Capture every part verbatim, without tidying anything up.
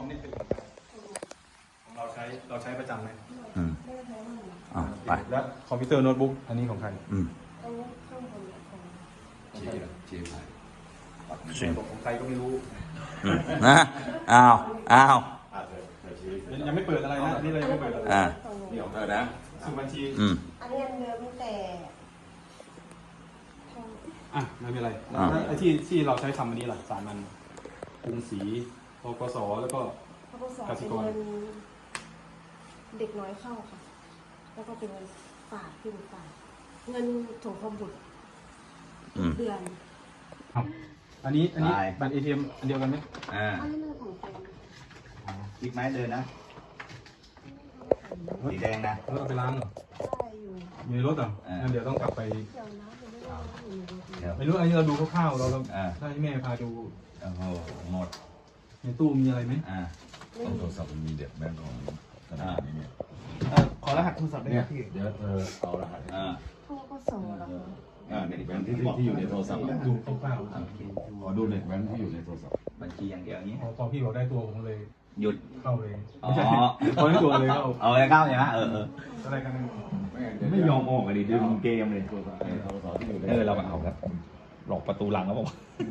อมนี่เป็นของเราใช้เราใช้ประจำไหมอืมอ๋อไปแล้วคอมพิวเตอร์โน้ตบุ๊กอันนี้ของใครอืมเชียร์เชียร์ใครของใครก็ไม่รู้นะอ้าวอ้าวยังไม่เปิดอะไรนะนี่เลยไม่เปิดอะไรอ่านี่ของเธอนะสมุดบัญชีอืมอันนี้อันเดิมแต่อ่ะไม่เป็นไรไอ้ที่ที่เราใช้ทำอันนี้ล่ะสามอันกรุงศรีธกสแล้วก็กสิกรเด็กน้อยเข้าค่ะแล้วก็เป็นเงินฝากที่ฝากเงินถงคมบุตรเดือนครับอันนี้อันนี้บัตรเอทีเอ็มอันเดียวกันไหมอ่าอันนี้เรื่องของแฟนคลิกไม้เดินนะสีแดงนะแล้วเอาไปล้างเหรอได้อยู่อยู่ในรถเหรองั้นเดี๋ยวต้องกลับไปเดี๋ยวนะเดี๋ยวไม่ได้อยู่ในรถไม่รู้อันนี้เราดูคร่าวๆเราเราอ่าถ้าให้แม่พาดูโอ้โหหมดในตู้มีอะไรไหมอ่าต้องโทรศัพท์มันมีเด็กแบงก์ของธนาคารนี้เนี่ยขอรหัสโทรศัพท์ได้ไหมพี่เดี๋ยวเธอเอารหัสอ่าโทรก็ส่งแล้วอ่าเด็กแบงก์ที่ที่อยู่ในโทรศัพท์ดูคร่าวขอดูเด็กแบงก์ที่อยู่ในโทรศัพท์บัญชีอย่างเดียวนี้ๆพอพี่บอกได้ตัวผมเลยหยุดเข้าเลยอ๋อพอได้ตัวเลยเข้าเอาเลยเข้าใช่ไหมเออเอออะไรกันไม่ยอมออกกันดิดึงเกมเลยเออเรามาเอาครับหลอกประตูหลังครับผม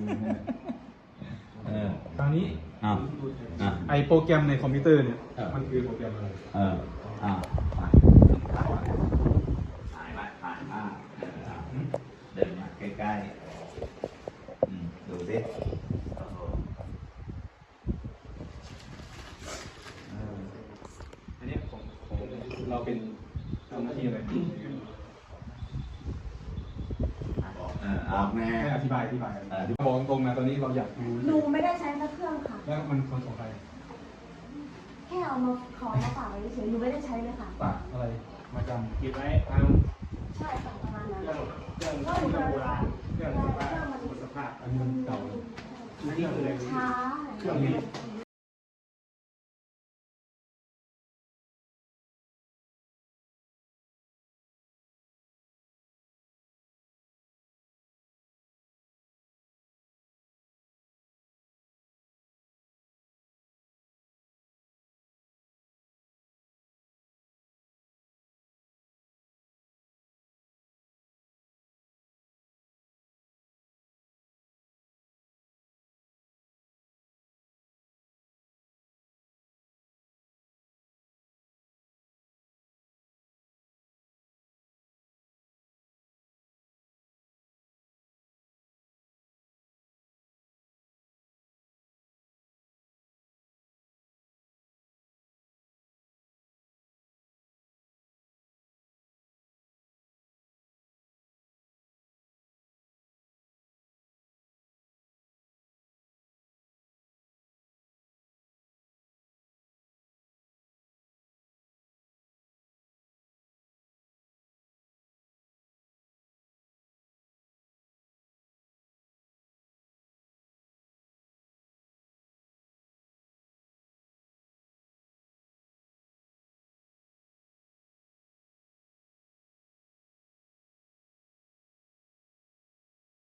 เออคราวนี้ไอโปรแกรมในคอมพิวเตอร์เนี่ยมันคือโปรแกรมอะไรเอออ่าไปถ่ายมาถ่ายมาเดินมาใกล้ๆดูสิอันนี้ของของเราเป็นทำหน้าที่อะไรบอกแม่ให้อธิบายอธิบายบอกตรงๆนะตอนนี้เราอยากดูหนูไม่ได้ใช้สักเครื่องค่ะแล้วมันคนของใครแค่เอามาขอมาฝากไว้เฉยหนูไม่ได้ใช้เลยค่ะฝากอะไรมาจำเก็บไว้เอาใช่ค่ะประมาณนั้นเรื่องเรื่องโบราณเรื่องสภาพสภาพอันนี้เก่าช้าเครื่องนี้